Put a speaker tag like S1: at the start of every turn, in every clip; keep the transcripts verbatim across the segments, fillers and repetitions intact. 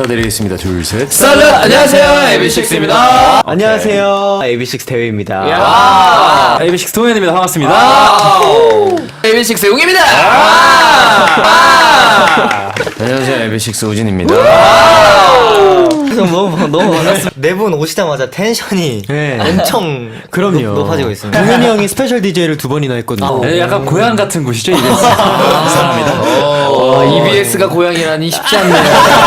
S1: 인사드리겠습니다. 둘, 셋.
S2: 썰루! 안녕하세요, 에이비식스입니다.
S3: 안녕하세요, 에이비식스 대회입니다.
S1: 아, 에이비식스 동현입니다. 반갑습니다.
S2: 에이비식스 용입니다.
S1: 안녕하세요, 에이비식스 우진입니다.
S4: 너무 너무 반갑습니다. 네 분 오시자마자 텐션이
S3: 네.
S4: 엄청
S3: 그럼요.
S4: 높, 높아지고 있습니다.
S3: 동현이 형이 스페셜 디제이를 두 번이나 했거든요.
S1: 네, 약간 고향 같은 곳이죠, 이비에스. 감사합니다.
S2: 어, 이비에스가 고향이라니 쉽지 않네요.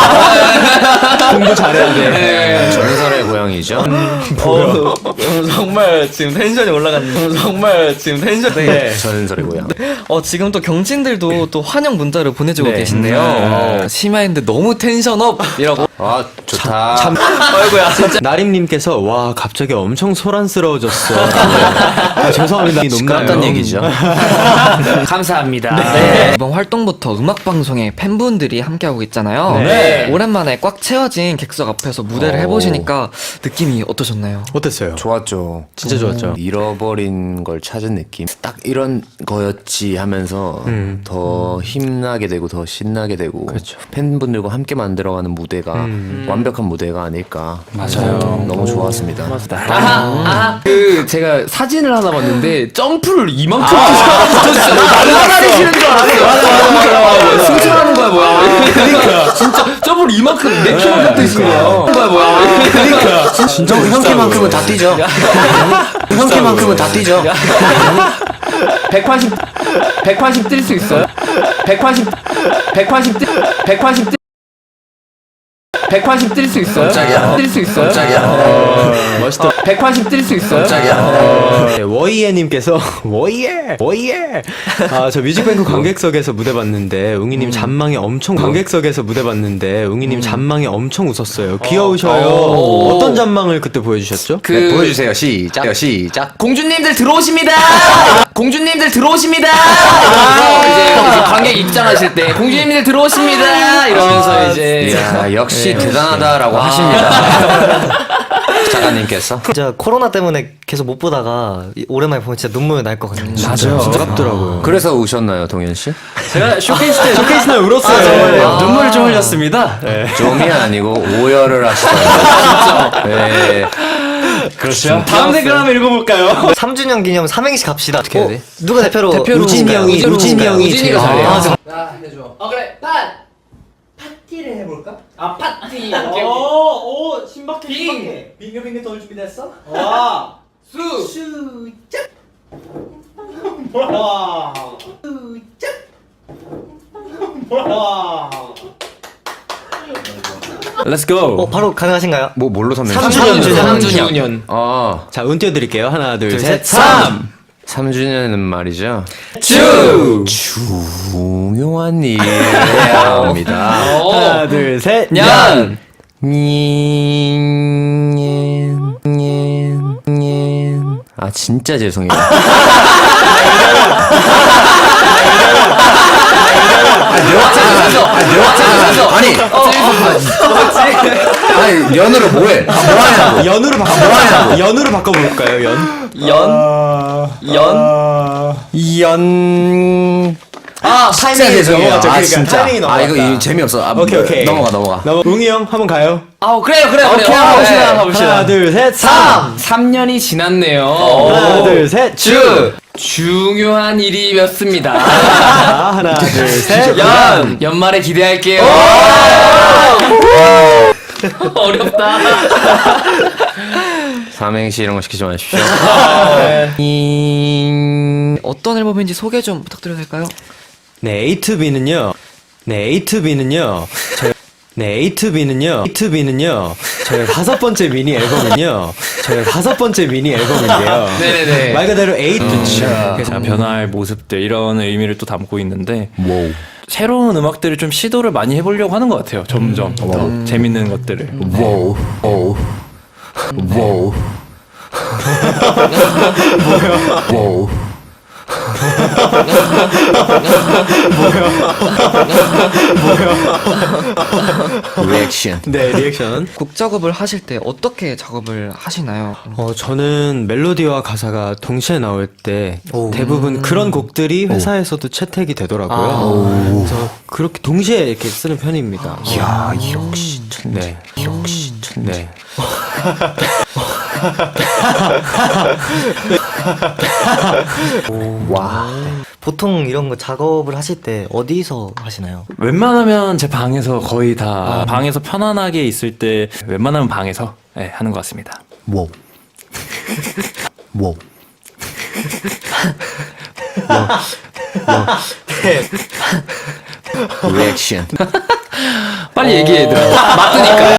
S3: 공부 잘해야 돼.
S2: 네.
S1: 전설의 고향이죠.
S4: 어, 정말 지금 텐션이 올라갔는데 정말 지금 텐션. 네.
S1: 전설의 고향.
S4: 어 지금 또 경진들도 또 환영 문자를 보내주고
S3: 네.
S4: 계신데요.
S2: 어,
S4: 어,
S2: 심야인데 너무 텐션업이라고.
S1: 아, 좋다.
S3: 참,
S2: 아이고야. 진짜.
S3: 나림님께서 와 갑자기 엄청 소란스러워졌어. 아, 죄송합니다.
S1: 시끄럽단
S3: 높나요?
S1: 얘기죠.
S2: 감사합니다.
S4: 네. 이번 활동부터 음악 방송에 팬분들이 함께하고 있잖아요.
S3: 네.
S4: 오랜만에 꽉 채워진 객석 앞에서 무대를
S1: 오.
S4: 해보시니까 느낌이 어떠셨나요?
S3: 어땠어요?
S1: 좋았죠.
S3: 진짜 좋았죠.
S1: 잃어버린 걸 찾은 느낌. 딱 이런 거였지 하면서
S3: 음.
S1: 더 힘나게 되고 더 신나게 되고
S3: 그렇죠.
S1: 팬분들과 함께 만들어가는 무대가
S3: 음.
S1: 완벽한 무대가 아닐까.
S2: 맞아요.
S1: 너무 좋았습니다.
S2: 아하, 아하. 그, 제가 사진을 하나 봤는데, 점프를 이만큼 저 진짜 날아다니시는 줄 알았어요. 맞아, 맞아, 맞아. 승천하는 거야, 뭐야. 그러니까. 진짜, 점프를 이만큼, 내 키만큼 뛰시는 거야. 거야, 뭐야.
S3: 그러니까
S1: 진짜 형 키만큼은 다 뛰죠. 형 키만큼은 다 뛰죠.
S2: 백팔십, 백팔십 뛸 수 있어요? 백팔십, 백팔십 뛸, 백팔십 뛸, 백팔십 뛸 수 있어요?
S1: 깜짝이야.
S2: 뛸 수 있어요?
S1: 깜짝이야.
S3: 멋있다.
S2: 백팔십 뛸 수 있어요?
S1: 깜짝이야.
S3: 네, 워이에님께서 워이에 워이에 아 저 뮤직뱅크 관객석에서 무대 봤는데 웅이님 잔망에 엄청 관객석에서 무대 봤는데 웅이님 잔망에 엄청 웃었어요. 귀여우셔요.
S2: 오.
S3: 어떤 잔망을 그때 보여주셨죠?
S2: 그,
S1: 네, 보여주세요. 시작. 시작.
S2: 공주님들 들어오십니다! 공주님들 들어오십니다! 이러면서 이제, 이제 관객 입장하실 때, 공주님들 들어오십니다! 이러면서 이제.
S1: 이야, 역시 대단하다라고 하십니다. 작가님께서.
S4: 진짜 코로나 때문에 계속 못 보다가 이- 오랜만에 보면 진짜 눈물 날 것 같아요.
S3: 맞아요. 진짜 깝더라고요.
S1: 그래서 우셨나요, 동현 씨?
S3: 제가 쇼케이스 때 쇼케이스 날 울었어요.
S1: 정말요?
S3: 눈물 좀 흘렸습니다.
S1: 좀이 아니고 오열을 하시더라고요. 네.
S3: 그렇죠. 다음 댓글 한번 읽어볼까요?
S4: 삼 주년 기념 삼행시 갑시다. 어떻게 해야 돼? 누가 대표로?
S2: 대표로
S3: 우진이
S2: 볼까요?
S3: 형이
S2: 우진으로
S3: 우진이
S2: 볼까요?
S3: 형이
S2: 우진이가
S3: 제일 잘해요.
S2: 잘해요.
S4: 아,
S2: 나 해줘. 어 그래. pat. 파티를 해볼까? 아 파티.
S3: 오, 오, 신박해,
S2: 빙.
S3: 신박해. 빙글 빙글 돌 준비됐어? 와,
S2: 수.
S3: 수작. 와, 수작. 와. Let's go.
S4: 어 바로 가능하신가요?
S1: 뭐 뭘로 삼
S4: 삼
S1: 주년?
S4: 주년.
S2: 삼 주년.
S1: 아,
S3: 자, 운 띄워드릴게요. 하나, 둘,
S4: 둘,
S3: 셋,
S4: 셋,
S3: 삼.
S1: 삼 주년은 말이죠.
S3: 주.
S1: 중요한 일입니다.
S3: 하나, 둘, 셋,
S2: 년.
S1: nhiên, nhiên, nhiên. 아 진짜 죄송해요.
S2: 재밌었어. 재밌었어.
S1: 아니, 아니 연으로 뭐해? 아, 뭐하냐고.
S3: 연으로 바꿔. 연으로 바꿔볼까요? 연.
S4: 연. 연.
S1: 연.
S2: 아
S1: 진짜 죄송해요.
S3: 넘어갔죠.
S1: 아
S3: 그러니까
S1: 진짜.
S3: 타이밍이
S1: 아 이거,
S3: 넘어갔다.
S1: 이거 재미없어. 아,
S3: 오케이, 오케이.
S1: 넘어가 넘어가.
S3: 넘어. 웅이 형 한번 가요.
S2: 아 그래요 그래요 그래요.
S3: 오케이,
S2: 어,
S3: 가봅시다.
S2: 네.
S3: 가봅시다. 하나, 둘, 셋, 삼.
S2: 삼 년이 지났네요.
S3: 하나, 둘, 셋,
S2: 주. 중요한 일이었습니다.
S3: 자, 하나, 둘, 셋,
S2: 연. 연말에 기대할게요. 어렵다.
S1: 삼행시 이런 거 시키지 마십시오.
S4: 어떤 앨범인지 소개 좀 부탁드려도 될까요?
S3: 네, A to B는요. 네, A to B는요. 저희 네, A to B는요. A to B는요. 저희 다섯 번째 미니 앨범은요. 저희 다섯 번째 미니 앨범인데요.
S2: 네네네.
S3: 말 그대로 A to B.
S5: 그래서 변화할 모습들 이런 의미를 또 담고 있는데
S1: 와우.
S5: 새로운 음악들을 좀 시도를 많이 해보려고 하는 것 같아요. 점점 더 재밌는 것들을.
S1: 와우. 와우. 와우. 와우. 리액션. 리액션.
S3: 네, 리액션.
S4: 곡 작업을 하실 때 어떻게 작업을 하시나요?
S3: 어, 저는 멜로디와 가사가 동시에 나올 때 대부분 그런 곡들이 회사에서도 채택이 되더라고요. 그래서 그렇게 동시에 이렇게 쓰는 편입니다.
S1: 야 역시
S3: 네.
S1: 역시
S3: 네.
S1: 와.
S6: 보통 이런 거 작업을 하실 때 어디서 하시나요?
S5: 웬만하면 제 방에서 거의 다 방에서 편안하게 있을 때 웬만하면 방에서 네, 하는 것 같습니다.
S1: 워. 워. 리액션.
S2: 빨리 얘기해 얘들아. 맞으니까.